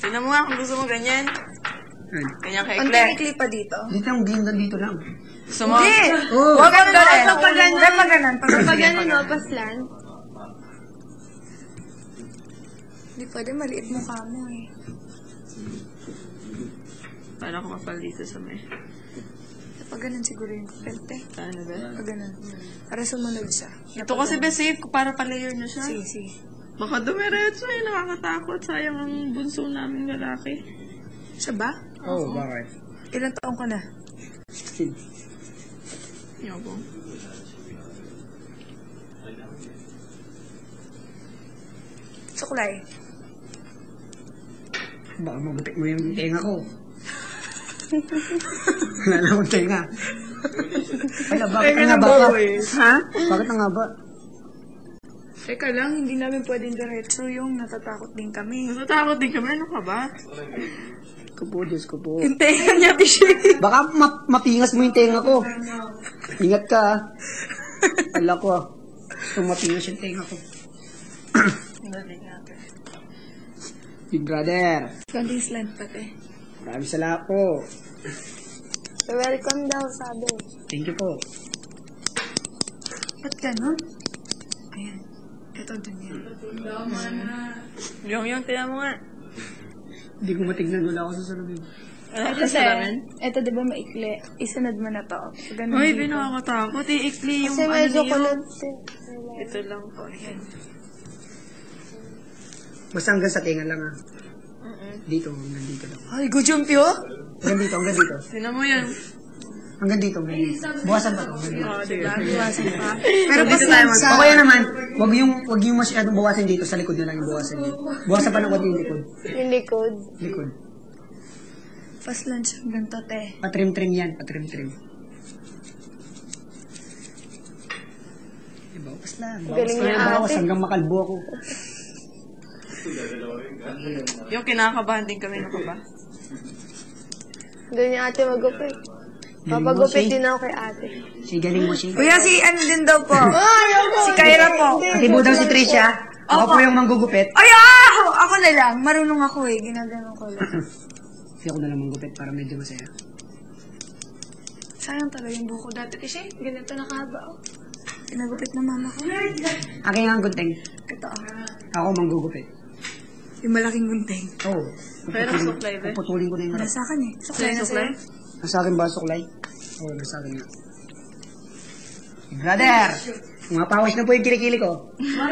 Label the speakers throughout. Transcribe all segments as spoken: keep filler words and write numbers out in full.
Speaker 1: Tignan mo nga kung gusto mo ganyan. Ganyan ka
Speaker 2: Ang
Speaker 1: ikli.
Speaker 2: ikli pa dito.
Speaker 3: Dito yung gindan dito lang.
Speaker 1: Gusto mo?
Speaker 2: Hindi!
Speaker 3: Oh.
Speaker 2: Huwag kang ganon. Pag ganon. Pag ganon.
Speaker 4: Pag ganun, no, paslan.
Speaker 2: Hindi pwede, maliit mukha mo eh.
Speaker 1: Para ako kapal dito sa may.
Speaker 2: Pag ganon siguro yung pelte.
Speaker 1: Ano ba?
Speaker 2: Pag ganon. Para sumunod siya.
Speaker 1: Ito kasi ba safe para pa-layer na siya?
Speaker 2: Sige, sige.
Speaker 1: Baka dumiretso eh, nakakatakot. Sayang ang bunso namin lalaki.
Speaker 2: Siya ba?
Speaker 3: Oo, oh, bakit?
Speaker 2: Ilan taong ka na?
Speaker 1: Yabo.
Speaker 2: Suklay.
Speaker 3: Baka magupit mo yung tenga ko. Wala na akong tenga. Wala, bakit ang haba ka?
Speaker 2: Ha?
Speaker 3: Bakit ang haba?
Speaker 2: Teka lang, hindi namin pwedeng diretso yung natatakot din kami.
Speaker 1: Natatakot din kami. Ano ka ba?
Speaker 3: Kupo, Diyos ko po.
Speaker 2: Yung tenga niya, Bishi.
Speaker 3: Baka ma mapingas mo yung tenga ko. Ingat ka, ah. Ala ko, ah. Kung mapingas yung tenga ko. Big brother.
Speaker 2: Ganding slant pati.
Speaker 3: Maraming salamat po.
Speaker 4: Welcome daw, sabi.
Speaker 3: Thank you po.
Speaker 2: Ba't ganon? Ayan. Ito dun yan.
Speaker 1: Yung yung, tiyan mo nga.
Speaker 3: Hindi ko matignan. Wala ako sa salamin.
Speaker 1: Ano ka
Speaker 2: Kasi,
Speaker 1: sa lamin?
Speaker 2: ito diba maikli? Isunod mo na to. Ganun
Speaker 1: Uy,
Speaker 2: dito.
Speaker 1: binakatakot. Iikli yung
Speaker 4: Kasi
Speaker 1: ano
Speaker 4: medyo
Speaker 1: niyo.
Speaker 4: kulot.
Speaker 1: Ito lang po. Ayan.
Speaker 3: Basta hanggang sa tenga lang, ah. Dito, hanggang dito lang.
Speaker 2: Ay, gujumpyo?
Speaker 3: Hanggang dito, hanggang dito.
Speaker 1: Tinan mo yan.
Speaker 3: Hanggang dito, hanggang dito. Buwasan pa to. Hanggang dito.
Speaker 1: Oo, diba?
Speaker 2: Iwasan pa.
Speaker 3: Pero dito tayo mag- O kaya naman, wag yung, wag yung masyadong bawasan dito, sa likod na lang yung bawasan dito. Bawasan pa ng konti yung likod.
Speaker 4: Yung likod.
Speaker 3: Likod.
Speaker 2: Fast lunch hanggang to, te.
Speaker 3: Patrim-trim yan, patrim-trim. Eh, bawas lang. Bawas
Speaker 4: Galing
Speaker 3: lang,
Speaker 4: niya,
Speaker 3: bawas
Speaker 4: ate.
Speaker 3: hanggang makalbo ako.
Speaker 1: Yung kinakabahan din kami. Ano ka ba?
Speaker 4: Doon yung ate magupit.
Speaker 3: Galing mo,
Speaker 4: Papagupit
Speaker 3: Shay.
Speaker 4: din ako kay ate.
Speaker 3: Si galing mo, Shay.
Speaker 2: Kuya, si ano din daw po? Si Kyra po.
Speaker 3: Atibo daw si Tricia. Ako po yung manggugupit.
Speaker 2: Ay, ah! Ako, ako na lang. Marunong ako eh. Ginagano ko lang.
Speaker 3: Hindi ako na lang manggupit para medyo masaya.
Speaker 2: Sayang talaga yung buko dati. Kasi ganito nakahaba oh. Pinagupit na mama ko.
Speaker 3: Akin nga ang gunting.
Speaker 2: Ito ah.
Speaker 3: Ako manggugupit.
Speaker 2: Yung malaking gunting.
Speaker 3: Oo. Oh,
Speaker 1: Pero suklay ba?
Speaker 3: puputulin ko na yung
Speaker 2: Para
Speaker 3: harap.
Speaker 2: sa akin eh. Suklay na
Speaker 1: Suklay?
Speaker 2: sa'yo.
Speaker 3: Nasa akin ba, suklay? Oo, oh, nasa akin nga. Brother! Mga pawis na po yung kilikili ko.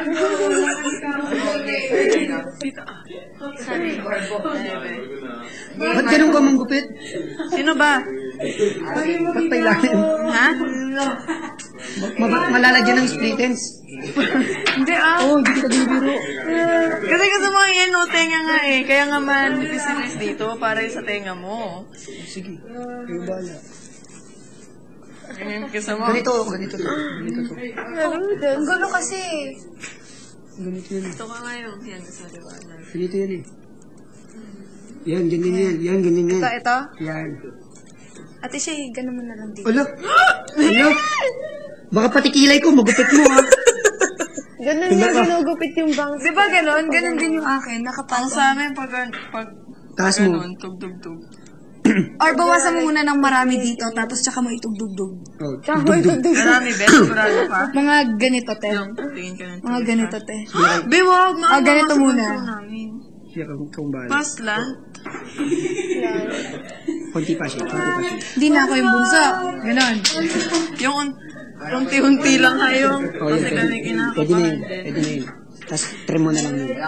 Speaker 3: Ba't ganun ka manggupit?
Speaker 1: Sino ba?
Speaker 3: Ba't pa ilalim?
Speaker 1: Ha?
Speaker 3: Ma ma malalagyan ng split ends.
Speaker 1: Hindi ah.
Speaker 3: Oo, oh, hindi kita binibiro.
Speaker 1: Kasi gusto mo yan, no, tenga nga eh. Kaya nga manipis dito para yung sa tenga mo.
Speaker 3: Sige, kayo bahala.
Speaker 1: Ganyan gusto mo.
Speaker 3: Ganito, ganito to. Ganito to.
Speaker 2: Ang gulo kasi.
Speaker 3: Ganito yan eh.
Speaker 1: Ito ka ngayon. Yan, sa liwanag.
Speaker 3: Ganito yan eh. Yan, ganyan yan. Yan, ganyan yan.
Speaker 2: Ito, ito.
Speaker 3: Yan.
Speaker 2: Ate siya, ganun mo na lang dito.
Speaker 3: Ala! Ala! Baka pati kilay ko, magupit mo ha.
Speaker 4: Ganun yung ginugupit yung bangs.
Speaker 2: Di ba ganun? Ganun din yung akin.
Speaker 1: Ang
Speaker 2: Nakapal
Speaker 1: sa amin, pag, pag
Speaker 3: Taas mo.
Speaker 1: ganun, tug-tug-tug.
Speaker 2: Or bawasan mo muna ng marami dito, tapos tsaka mo itugdugdug.
Speaker 3: Oh,
Speaker 4: Tsaka mo itugtog.
Speaker 1: Marami, best, sigurado ka.
Speaker 2: Mga ganito, te.
Speaker 1: Yung, tingin ka ng
Speaker 2: Mga ganito, te.
Speaker 1: Biwag,
Speaker 2: Ah, ganito muna.
Speaker 3: siya kung kung bahala.
Speaker 1: Paslant.
Speaker 3: Konti pa siya, konti pa siya.
Speaker 2: Hindi na ako yung bunso. Ganon.
Speaker 1: Yung un- unti-unti lang kayo.
Speaker 3: Oh,
Speaker 1: Kasi
Speaker 3: yun,
Speaker 1: kami
Speaker 3: pwede, pwede na yun,
Speaker 1: kinakabahan
Speaker 3: pwede na yun. Tapos trim mo na lang yun.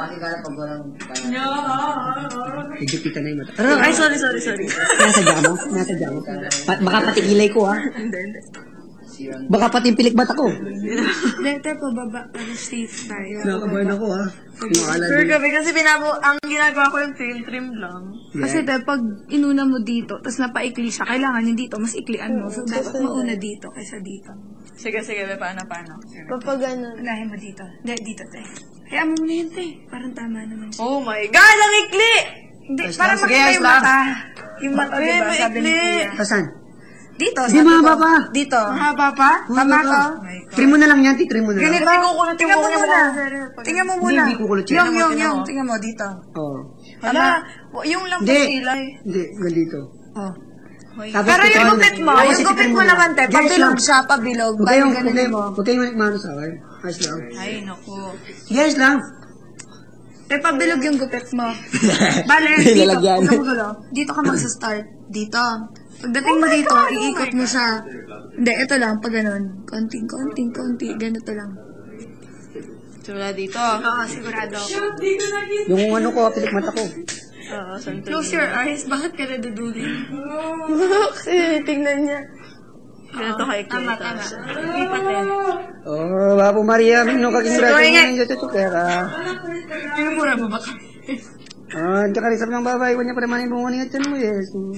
Speaker 3: Nagjupitan na yung mata.
Speaker 1: din. Ay, sorry, sorry, sorry.
Speaker 3: Nasadya mo? Nasadya mo? Pa baka pati kilay ko ha?
Speaker 1: Hindi, hindi.
Speaker 3: Baka pati yung pilik bata ko.
Speaker 2: Dito po, baba. Para safe tayo.
Speaker 3: Nakabahan ako ha? Nakakala
Speaker 1: Sure kami, kasi pinabo, ang ginagawa ko yung tail trim lang.
Speaker 2: Kasi te, pag inuna mo dito, tapos napaikli siya, kailangan yung dito, mas iklian mo. So, dapat mauna dito kaysa dito.
Speaker 1: Sige, sige, be, paano, paano? Sige.
Speaker 4: Kapag ganun.
Speaker 2: Unahin mo dito. Hindi, dito, te. Kaya mo muna yun, te. Parang tama naman siya.
Speaker 1: Oh my God, ang ikli!
Speaker 2: Hindi,
Speaker 3: Ayos
Speaker 2: para
Speaker 3: lang, sige,
Speaker 2: makita
Speaker 3: ayos
Speaker 2: yung
Speaker 3: lang.
Speaker 2: mata. Yung mata,
Speaker 1: Ay,
Speaker 2: diba? Sabi ni
Speaker 1: maikli.
Speaker 2: Kuya.
Speaker 3: Tasan?
Speaker 2: Dito,
Speaker 3: Di
Speaker 2: sabi
Speaker 3: mahaba
Speaker 2: ko.
Speaker 3: pa.
Speaker 2: Dito.
Speaker 1: Mahaba pa?
Speaker 2: Tama ko.
Speaker 3: Trim mo na lang yan, titrim mo na lang.
Speaker 2: Ganito.
Speaker 1: Hindi kukulot yung
Speaker 2: Tingnan mo
Speaker 1: buhok niya,
Speaker 2: muna.
Speaker 1: mukha.
Speaker 2: Tingnan mo
Speaker 3: Hindi,
Speaker 2: muna.
Speaker 3: hindi kukulot yan.
Speaker 2: Yung, yung,
Speaker 1: Tingnan
Speaker 2: yung.
Speaker 1: mo.
Speaker 2: Tingnan mo, dito.
Speaker 3: Oo.
Speaker 1: Hala, wa- yung lang
Speaker 3: Hindi.
Speaker 1: kilay.
Speaker 3: Hindi, ganito.
Speaker 2: Oh.
Speaker 3: Tapos
Speaker 2: Pero yung
Speaker 3: titripan mo
Speaker 2: gupit
Speaker 3: na-
Speaker 2: mo,
Speaker 3: Tapos
Speaker 2: yung gupit
Speaker 3: titripan
Speaker 2: mo naman, te,
Speaker 3: Guys
Speaker 2: pabilog
Speaker 3: lang.
Speaker 2: siya, pabilog.
Speaker 3: Huwag
Speaker 2: Bali,
Speaker 3: kayong, huwag
Speaker 2: ganun
Speaker 3: kayong,
Speaker 2: mo.
Speaker 3: huwag kayong manikmano sa akin. Ayos lang.
Speaker 1: Ay, naku.
Speaker 3: Yes lang.
Speaker 2: Te, pabilog yung gupit mo. Bale,
Speaker 3: May
Speaker 2: dito.
Speaker 3: lalagyan.
Speaker 2: Huwag ka magulo. Dito ka magsa-start. Dito. Pagdating mo dito, iikot mo siya. Hindi, ito lang, pag ganun. Konting, konting, konti. Ganito lang.
Speaker 1: Simula dito.
Speaker 2: Oo, sigurado.
Speaker 3: Yung ano ko, pilik mata ko.
Speaker 1: Oo, santo.
Speaker 2: Close your eyes. Bakit ka naduduli?
Speaker 4: Kasi tingnan niya.
Speaker 1: Ganito kay
Speaker 2: Tama,
Speaker 1: Kita.
Speaker 2: tama. Lipat eh.
Speaker 3: Oh, Bapo Maria, mino kaging
Speaker 2: Sorry nga.
Speaker 3: gratis ng tutupera.
Speaker 2: Pinumura mo ba ka?
Speaker 3: Ah, hindi ka rin ng babae, wanya pa naman yung bunga niya mo, Jesus.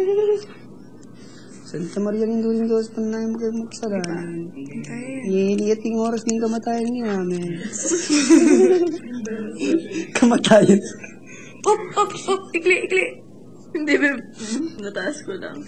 Speaker 3: Santa Maria ng duling Diyos, panay mo kayo magsalan. Iiniyat yung oras ng kamatayan niya, amen. Kamatayan.
Speaker 2: Up, up, up. Ikli, ikli.
Speaker 1: Hindi, babe. Nataas ko lang.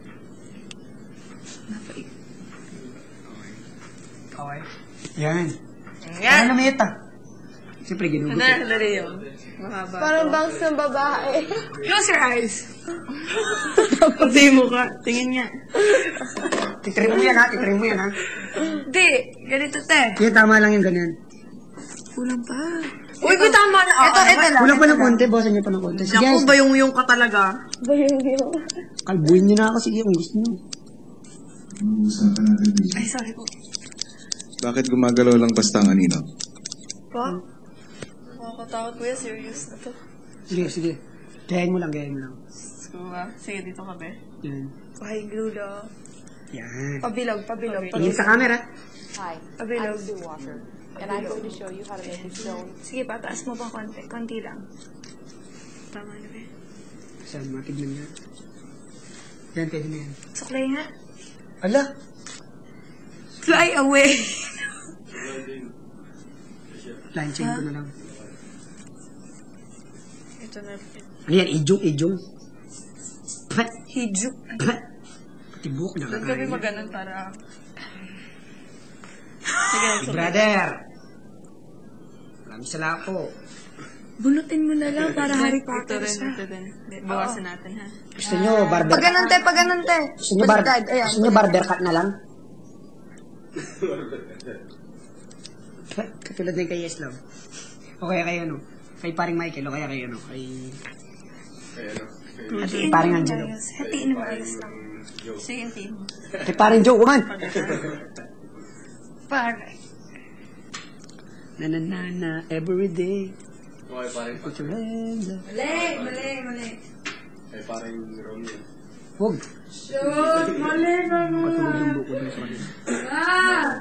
Speaker 3: Okay. Yan.
Speaker 1: Yan.
Speaker 3: Ano naman ah? Siyempre, ginugutin.
Speaker 1: Ano, dali yun. Mahaba.
Speaker 4: Parang bangs ng babae.
Speaker 2: Close your eyes.
Speaker 1: Hindi mo ka. Tingin niya.
Speaker 3: Titrim mo yan ha, titrim mo yan ha.
Speaker 2: Di, ganito te.
Speaker 3: Yan, tama lang yung ganyan.
Speaker 2: Kulang pa.
Speaker 1: Uy, may tama na.
Speaker 2: Ito, ito lang.
Speaker 3: Kulang pa ng konti, bawasan niyo pa ng konti. Sige,
Speaker 1: Naku, ba yung yung ka talaga?
Speaker 4: Ba yung yung...
Speaker 3: kalbuhin niyo na ako, sige, kung gusto niyo.
Speaker 2: Ay, sorry po.
Speaker 5: Bakit gumagalaw lang basta ang anino?
Speaker 1: Pa? Nakakatakot kuya, serious na to.
Speaker 3: Sige, sige. Gayahin mo lang, gayahin mo lang.
Speaker 1: So, ah, sige, dito ka, be.
Speaker 3: Yan.
Speaker 2: Ay, glulo.
Speaker 3: Yan.
Speaker 2: Pabilog, pabilog,
Speaker 3: Tingin
Speaker 2: pabilog.
Speaker 3: sa camera.
Speaker 6: Hi,
Speaker 2: Pabilog.
Speaker 6: I'm Sue Walker, and I'm going to show you how to make a stone.
Speaker 2: Sige pa, taas mo pa konti. Konti lang.
Speaker 1: Tama na, be.
Speaker 3: Saan, matignan niya. Yan, pwede na yan.
Speaker 2: Suklay nga.
Speaker 3: Ala!
Speaker 2: Fly away.
Speaker 3: Line chain ko na lang.
Speaker 1: Ito na.
Speaker 3: Ano yan, ijong, ijong. Pah!
Speaker 2: Hijuk.
Speaker 3: Pah! Tibok na
Speaker 1: Doon kami
Speaker 3: kakain.
Speaker 1: maganon para... Sige,
Speaker 3: Hey,
Speaker 1: so,
Speaker 3: brother! Maraming sala ko.
Speaker 2: Bunutin mo na lang para Harry
Speaker 1: ito
Speaker 2: Potter
Speaker 1: rin,
Speaker 2: siya.
Speaker 1: ito din. Bawasan natin, ha?
Speaker 3: Gusto niyo barber
Speaker 2: Pag ganun te, pag ganun te.
Speaker 3: Gusto niyo, bar
Speaker 2: Baliktad, ayan.
Speaker 3: gusto niyo barber cut na lang? Katulad din kay Yes Love. O kaya kay ano? Kay paring Michael o kaya kay ano? Kay...
Speaker 2: Hatiin mo
Speaker 3: Paring
Speaker 2: yung
Speaker 3: Angelo.
Speaker 2: ayos. Hatiin mo ayos lang.
Speaker 1: Sige, team.
Speaker 3: Kay paring Joe, kuman!
Speaker 2: Para.
Speaker 3: Na na na na, every day. Put your hands up.
Speaker 2: Mali, mali, mali.
Speaker 3: Huwag.
Speaker 2: Shoot, mali, mali.
Speaker 3: Katulog yung buko dun sa kanila.
Speaker 2: Ah!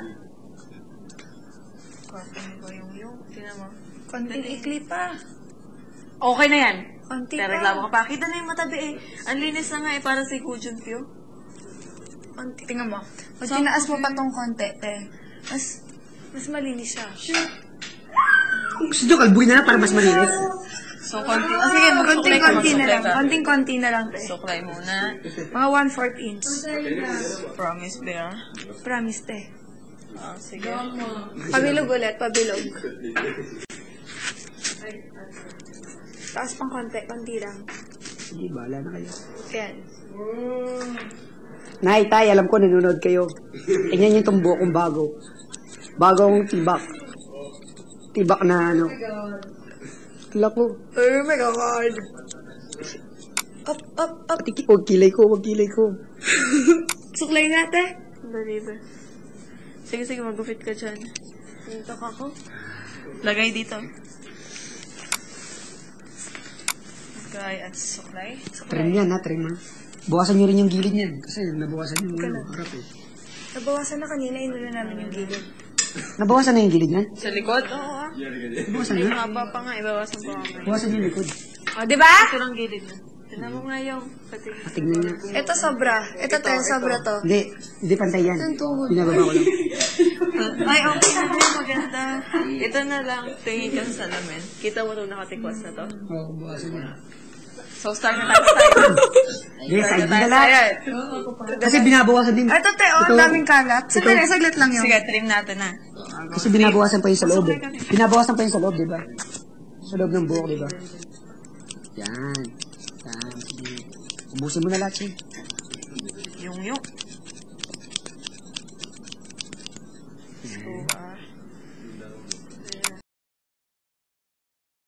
Speaker 1: Konting ko yung yung. Tingnan mo.
Speaker 2: Konting ikli pa.
Speaker 1: Okay na yan.
Speaker 2: Konti
Speaker 1: Pero
Speaker 2: pa.
Speaker 1: reklamo ka pa. Kita na yung matabi eh. Ang linis na nga eh, para si Kujun Pyo.
Speaker 2: Konti. Tingnan mo. Pag tinaas mo pa tong konti, te, mas, mas malinis siya.
Speaker 3: Gusto niyo kalbuhin na lang para mas malinis.
Speaker 1: So, konti. Ah, sige, magsuklay ka,
Speaker 2: Konting-konti na
Speaker 1: magsuklay
Speaker 2: lang.
Speaker 1: ka.
Speaker 2: Konting-konti na lang, te.
Speaker 1: Suklay muna.
Speaker 2: Mga one-fourth inch.
Speaker 1: Promise, Bear.
Speaker 2: Promise, te.
Speaker 1: Ah, sige.
Speaker 2: Pabilog ulit, pabilog. Taas pang konti, konti lang.
Speaker 3: Sige, bahala na kayo.
Speaker 2: Yan.
Speaker 3: Nay, tay, alam ko nanonood kayo. Tingnan niyo itong buhok kong bago. Bagong tibak. Tibak na ano. Tila ko.
Speaker 2: Oh my God. Up, up, up.
Speaker 3: Pati ki- huwag kilay ko, huwag kilay ko.
Speaker 2: Suklay nga, te.
Speaker 1: Dali ba? Sige, sige, mag-gupit ka dyan.
Speaker 2: Dito ka ko.
Speaker 1: Lagay dito. Lagay at suklay.
Speaker 3: Trim yan ha, trim ha. Bukasan niyo rin yung gilid niyan. Kasi nabawasan yung ano, harap eh.
Speaker 2: Nabawasan na kanina, inuna namin yung gilid.
Speaker 3: Nabawasan na yung gilid niyan?
Speaker 1: Sa likod? Oo, ah.
Speaker 3: Nabawasan
Speaker 1: Ay,
Speaker 3: na?
Speaker 1: haba pa nga. Ibawasan pa nga.
Speaker 3: Bawasan yung likod.
Speaker 2: O, di ba?
Speaker 1: Ito lang gilid na. Tignan mo nga yung pati.
Speaker 3: Tignan niya.
Speaker 2: Ito sobra. Ito, te, sobra to.
Speaker 3: Hindi, hindi pantay yan.
Speaker 2: Ang tuhod.
Speaker 3: Binababa ko lang.
Speaker 1: Ay, okay na rin. Maganda. Ito na lang. Tingin ka sa salamin. Kita mo itong nakatikwas na to.
Speaker 3: Oo, bawasan niya.
Speaker 1: So, start na tayo tayo.
Speaker 3: Hindi, side na lang. Kasi binabawasan din.
Speaker 2: Ito, te, oh, ang daming kalat. Sandali, saglit lang yun.
Speaker 1: Sige, trim natin na.
Speaker 3: Kasi binabawasan pa yung sa loob eh. Binabawasan pa yung sa loob, di ba? Sa loob ng buhok, di ba? Yan. Yan. Sige. Ubusin mo na lahat, Shay.
Speaker 1: Yung yung. Let's go, ah.